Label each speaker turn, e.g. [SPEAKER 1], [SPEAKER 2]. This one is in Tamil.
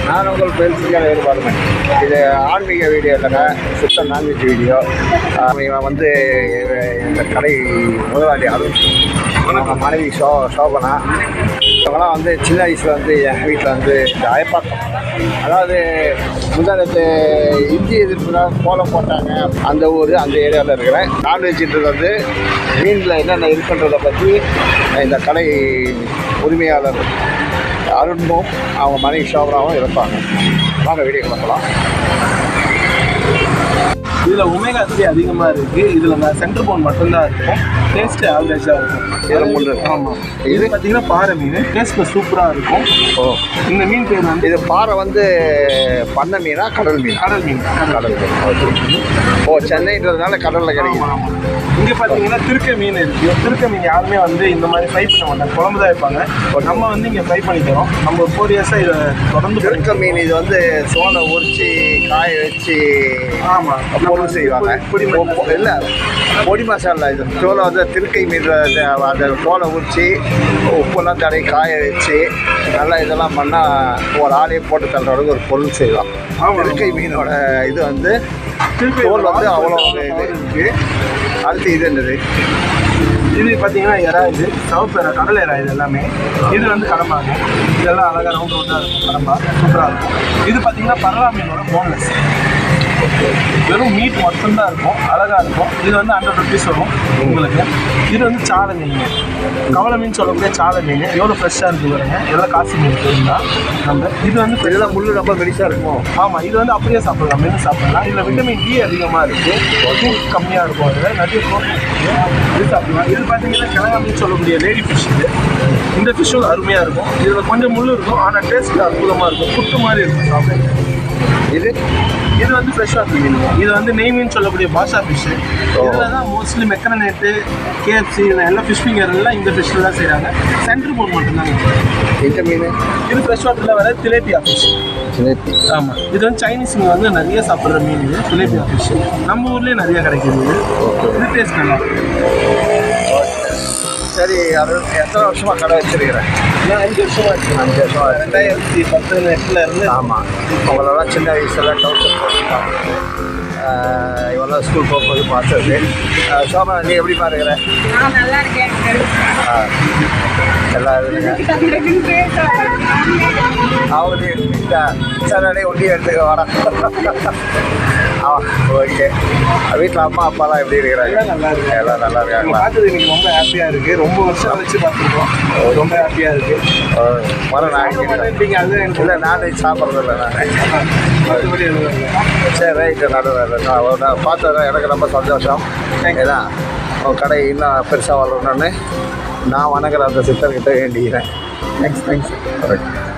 [SPEAKER 1] நான் உங்கள் பேசிக்கான வேறுபாடுங்க. இது ஆன்மீக வீடியோ இல்லைங்க, சுத்த நான்வெஜ் வீடியோ. இவன் வந்து இந்த கடை முதலாளி அருண், அவங்க மனைவி சோபனா. இவங்களாம் வந்து சின்ன வயசில் வந்து எங்கள் வீட்டில் வந்து இந்த அயப்பாக்கம், அதாவது முந்தானத்து இந்திய எதிர்ப்புலாம் கோலம் போட்டாங்க. அந்த ஊர் அந்த ஏரியாவில் இருக்கிறேன். நான்வெஜ்ன்றது வந்து மீனில் என்னென்ன இருக்குன்றதை பற்றி இந்த கடை உரிமையாளர் அருணும் அவங்க மனைவி சோபனாவும் இருப்பாங்க. வாங்க வீடியோ பார்க்கலாம்.
[SPEAKER 2] இதில் ஒமேகா 3 அதிகமாக இருக்குது. இதில் நான் சென்டர் போன் மட்டும்தான் இருக்கும். டேஸ்ட்டு ஆவரேஜாக இருக்கும். ஆமாம், இது பார்த்தீங்கன்னா பாறை மீன். டேஸ்ட்டில் சூப்பராக இருக்கும்.
[SPEAKER 1] ஓ,
[SPEAKER 2] இந்த மீன் பேர் வந்து
[SPEAKER 1] இது பாறை வந்து பண்ணை மீனா கடல் மீன்?
[SPEAKER 2] கடல் மீன்.
[SPEAKER 1] கடல் மீன். ஓ, சென்னைன்றதுனால கடலில் கிடைக்கும்.
[SPEAKER 2] ஆமாம். இங்கே பார்த்தீங்கன்னா திருக்க மீன் இருக்குது. திருக்க மீன் யாருமே வந்து இந்த மாதிரி ஃப்ரை பண்ண மாட்டாங்க, குழம்பு தான் வைப்பாங்க. நம்ம வந்து இங்கே ஃப்ரை பண்ணி தரோம். நம்ம 4 இயர்ஸாக இதை தொடர்ந்து.
[SPEAKER 1] திருக்க மீன் இது வந்து சோளை உரிச்சு காய வச்சு
[SPEAKER 2] ஆமாம்
[SPEAKER 1] பொருள் செய்வாங்க. இல்லை, பொடி மசாலா. இது சோளை வந்து திருக்கை மீன், அந்த சோளை உரிச்சு உப்பெல்லாம் தடவை காய வச்சு நல்லா இதெல்லாம் பண்ணால் ஒரு ஆளையே போட்டு தள்ளுற அளவுக்கு ஒரு பொருள் செய்யலாம். திருக்கை மீனோட இது வந்து தோல் வந்து அவ்வளோ இது இருக்குது. அடுத்து இது என்னது?
[SPEAKER 2] இது பார்த்தீங்கன்னா எறா. இது சவப்பு எறா, கடல் எறா. இது எல்லாமே இது வந்து கடம்பாங்க. இதெல்லாம் அழகாக ரவுண்ட் ரவுண்டாக இருக்கும். கடம்பா சூப்பராக இருக்கும். இது பார்த்தீங்கன்னா பரவா மீனோட போன்லெஸ். வெறும் மீட் மட்டும்தான் இருக்கும், அழகாக இருக்கும். இது வந்து 100 rupees வரும் உங்களுக்கு. இது வந்து சாலை மீன், கவலை மீன் சொல்லக்கூடிய சாலை மீன். எவ்வளோ ஃப்ரெஷ்ஷாக இருக்குது பாருங்க. எல்லாம் காசு மீன் தான் நம்ம. இது வந்து
[SPEAKER 1] இதெல்லாம் முள் ரொம்ப பெருசாக இருக்கும்.
[SPEAKER 2] ஆமாம், இது வந்து அப்படியே சாப்பிடலாம், மீன் சாப்பிடலாம். இதில் விட்டமின் டி அதிகமாக இருக்குது, ப்ரோட்டீன் கம்மியாக இருக்கும். அதில் நிறைய ப்ரோட்டீன் இருக்குது. இது சாப்பிடலாம். இது பார்த்தீங்கன்னா கிழங்கா மீன் சொல்லக்கூடிய லேடி ஃபிஷ். இது இந்த ஃபிஷ்ஷும் அருமையாக இருக்கும். இதில் கொஞ்சம் முள் இருக்கும், ஆனால் டேஸ்ட் அற்புதமாக இருக்கும். புட்டு மாதிரி இருக்கும் சாப்பிட. இது வந்து ஃப்ரெஷ் வாட்டர் மீன். இது வந்து நெய் மீன் சொல்லக்கூடிய பாஷா ஃபிஷ்ஷு. இதில் தான் மோஸ்ட்லி மெக்கரனேட்டு, கேஎஃப்சி எல்லா ஃபிஷ் ஃபிங்கர் எல்லாம் இந்த ஃபிஷ்ஷில் தான் செய்கிறாங்க. சென்ட்ரு போன் மட்டும்தாங்க
[SPEAKER 1] இந்த மீன். இது
[SPEAKER 2] ஃப்ரெஷ் வாட்டரில் வர திலேபியா ஃபிஷ். ஆமாம், இது வந்து சைனீஸுங்க வந்து நிறைய சாப்பிட்ற மீன். இது திலேபியா ஃபிஷ் நம்ம ஊர்லேயே நிறைய கிடைக்கிது. இது டேஸ்ட் நல்லா இருக்கும்.
[SPEAKER 1] சரி, அது எத்தனை வருஷமாக கடை வச்சுருக்கிறேன்?
[SPEAKER 2] நான் 5 வருஷமாக இருக்கேன்.
[SPEAKER 1] 5 வருஷமாக
[SPEAKER 2] 2018 இருந்து.
[SPEAKER 1] ஆமாம், உங்களெல்லாம் சின்ன வயசுல டவுசர் போட்டுருக்காங்க. இவெல்லாம் ஸ்கூல் போகும்போது பார்த்தது. சோபா, நீ எப்படி பாருங்கிற?
[SPEAKER 3] நான் நல்லா இருக்கேன்.
[SPEAKER 1] எல்லாம் இருக்குங்க. அவரு சார் ஒண்டி எடுத்துக்க வர. ஓகே, வீட்டில் அம்மா அப்பாலாம் எப்படி இருக்கிறாங்க?
[SPEAKER 2] நல்லா இருக்கு.
[SPEAKER 1] எல்லாம் நல்லா இருக்காங்களா?
[SPEAKER 2] பார்த்தது எனக்கு ரொம்ப ஹாப்பியாக இருக்குது. ரொம்ப வருஷம் வச்சு பார்த்துருக்கோம். ரொம்ப ஹாப்பியாக இருக்குது.
[SPEAKER 1] மரம்
[SPEAKER 2] நீங்கள் அது எனக்கு
[SPEAKER 1] இல்லை, நான்வெஜ் சாப்பிட்றதில்ல நான்.
[SPEAKER 2] மற்றபடி எதுவும் இல்லை.
[SPEAKER 1] சரி, ரைட்டு. நான் பார்த்தது எனக்கு ரொம்ப சந்தோஷம். ஏன்னா உன் கடை இன்னும் பெருசாக வளரணும்னு நான் வணங்குற அந்த சித்தர்கிட்ட வேண்டிக்கிறேன். தேங்க்ஸ். கரெக்ட்.